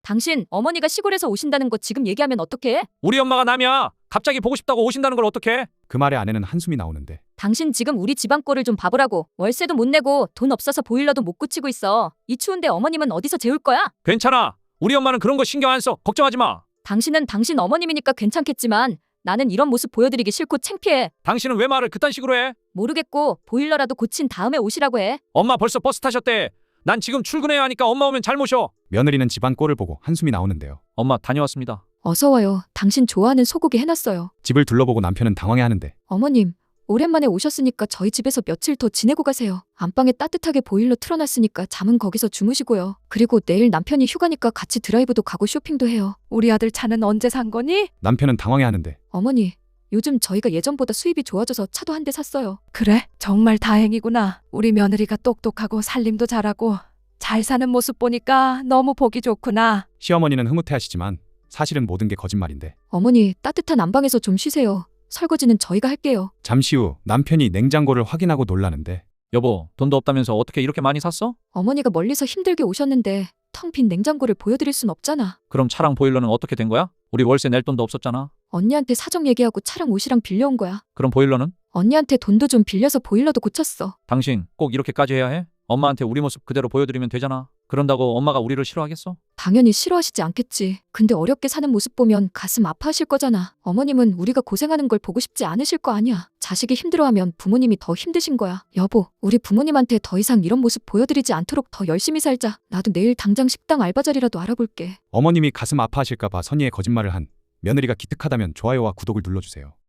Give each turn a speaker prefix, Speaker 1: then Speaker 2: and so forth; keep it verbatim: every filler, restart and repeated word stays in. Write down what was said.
Speaker 1: 당신 어머니가 시골에서 오신다는 거 지금 얘기하면 어떡해?
Speaker 2: 우리 엄마가 남이야. 갑자기 보고 싶다고 오신다는 걸 어떡해?
Speaker 3: 그 말에 아내는 한숨이 나오는데
Speaker 1: 당신 지금 우리 집안 꼴을 좀 봐보라고. 월세도 못 내고 돈 없어서 보일러도 못 고치고 있어. 이 추운데 어머님은 어디서 재울 거야?
Speaker 2: 괜찮아. 우리 엄마는 그런 거 신경 안 써. 걱정하지 마.
Speaker 1: 당신은 당신 어머님이니까 괜찮겠지만 나는 이런 모습 보여드리기 싫고 창피해.
Speaker 2: 당신은 왜 말을 그딴 식으로 해?
Speaker 1: 모르겠고 보일러라도 고친 다음에 오시라고 해.
Speaker 2: 엄마 벌써 버스 타셨대. 난 지금 출근해야 하니까 엄마 오면 잘 모셔.
Speaker 3: 며느리는 집안 꼴을 보고 한숨이 나오는데요.
Speaker 2: 엄마 다녀왔습니다.
Speaker 1: 어서 와요. 당신 좋아하는 소고기 해놨어요.
Speaker 3: 집을 둘러보고 남편은 당황해하는데
Speaker 1: 어머님, 오랜만에 오셨으니까 저희 집에서 며칠 더 지내고 가세요. 안방에 따뜻하게 보일러 틀어놨으니까 잠은 거기서 주무시고요. 그리고 내일 남편이 휴가니까 같이 드라이브도 가고 쇼핑도 해요.
Speaker 4: 우리 아들 차는 언제 산 거니?
Speaker 3: 남편은 당황해하는데
Speaker 1: 어머니, 요즘 저희가 예전보다 수입이 좋아져서 차도 한 대 샀어요.
Speaker 4: 그래, 정말 다행이구나. 우리 며느리가 똑똑하고 살림도 잘하고 잘 사는 모습 보니까 너무 보기 좋구나.
Speaker 3: 시어머니는 흐뭇해하시지만 사실은 모든 게 거짓말인데
Speaker 1: 어머니, 따뜻한 안방에서 좀 쉬세요. 설거지는 저희가 할게요.
Speaker 3: 잠시 후 남편이 냉장고를 확인하고 놀라는데
Speaker 2: 여보, 돈도 없다면서 어떻게 이렇게 많이 샀어?
Speaker 1: 어머니가 멀리서 힘들게 오셨는데 텅 빈 냉장고를 보여드릴 순 없잖아.
Speaker 2: 그럼 차랑 보일러는 어떻게 된 거야? 우리 월세 낼 돈도 없었잖아.
Speaker 1: 언니한테 사정 얘기하고 차랑 옷이랑 빌려온 거야.
Speaker 2: 그럼 보일러는?
Speaker 1: 언니한테 돈도 좀 빌려서 보일러도 고쳤어.
Speaker 2: 당신 꼭 이렇게까지 해야 해? 엄마한테 우리 모습 그대로 보여드리면 되잖아. 그런다고 엄마가 우리를 싫어하겠어?
Speaker 1: 당연히 싫어하시지 않겠지. 근데 어렵게 사는 모습 보면 가슴 아파하실 거잖아. 어머님은 우리가 고생하는 걸 보고 싶지 않으실 거 아니야. 자식이 힘들어하면 부모님이 더 힘드신 거야. 여보, 우리 부모님한테 더 이상 이런 모습 보여드리지 않도록 더 열심히 살자. 나도 내일 당장 식당 알바 자리라도 알아볼게.
Speaker 3: 어머님이 가슴 아파하실까봐 선의의 거짓말을 한 며느리가 기특하다면 좋아요와 구독을 눌러주세요.